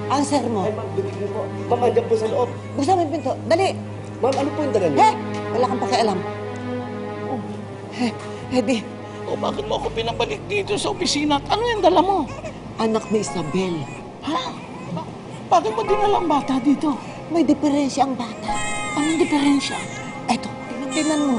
Answer mo. Ay, ma'am, binig niyo po. Ma'am, andyan po sa loob. Buksan mo yung pinto. Dali! Ma'am, ano po yung dala niyo? He! Wala kang pakialam. Di, O bakit mo ako pinabalik dito sa opisina at ano yung dala mo? anak ni Isabel. Ha? Bakit mo dinala ang bata dito? May diferensya ang bata. Anong diferensya? Eto, tingnan mo.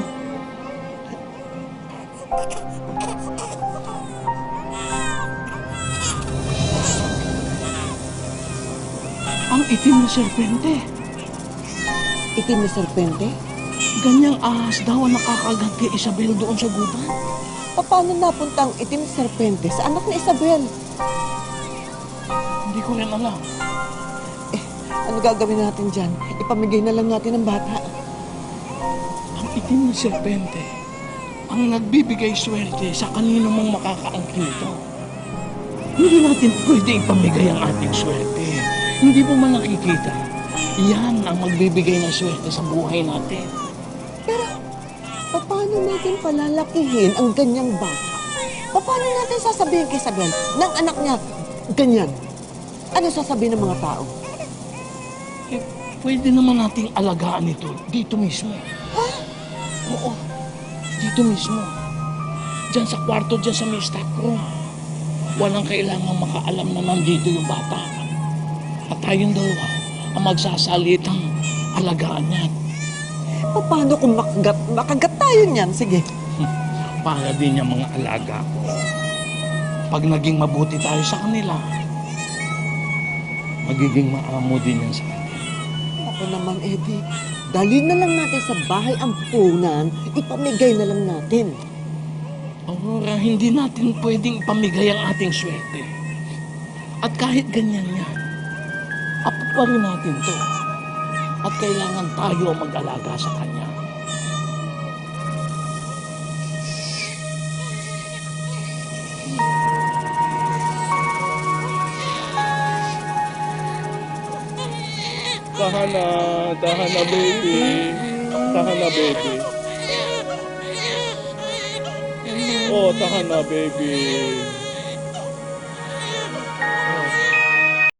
Ang itim na serpente. Itim na serpente? Ganyang ahas daw ang nakakagat kay Isabel doon sa gubat. Paano napunta ang itim na serpente sa anak ni Isabel? Hindi ko rin alam. Ano gagawin natin dyan? Ipamigay na lang natin ang bata. Ang itim na serpente ang nagbibigay swerte sa kanino mang makakaangkin nito. Hindi natin pwede ipamigay ang ating swerte. Hindi mo man nakikita. Yan ang magbibigay ng swerte sa buhay natin. Pero, paano natin palalakihin ang ganyang bata? Paano natin sasabihin kay Isabel ng anak niya ganyan? Ano sasabihin ng mga tao? Eh, pwede naman nating alagaan ito dito mismo. Ha? Oo, dito mismo. Diyan sa kwarto, diyan sa may stock room. Walang kailangang makaalam na nandito yung bata. At tayong dalawa ang magsasalitang alagaan niyan. Paano kung makagat tayo niyan? Sige. Para din yung mga alaga ko. Pag naging mabuti tayo sa kanila, magiging maamo din yan sa atin. Ako naman, Eddie. Dali na lang natin sa bahay ang punan, ipamigay na lang natin. Aurora, hindi natin pwedeng ipamigay ang ating swerte. At kahit ganyan yan, apo pa rin natin to. At kailangan tayo ang mag-alaga sa kanya. Tahan na baby. Tahan na baby. Oh, tahan na baby.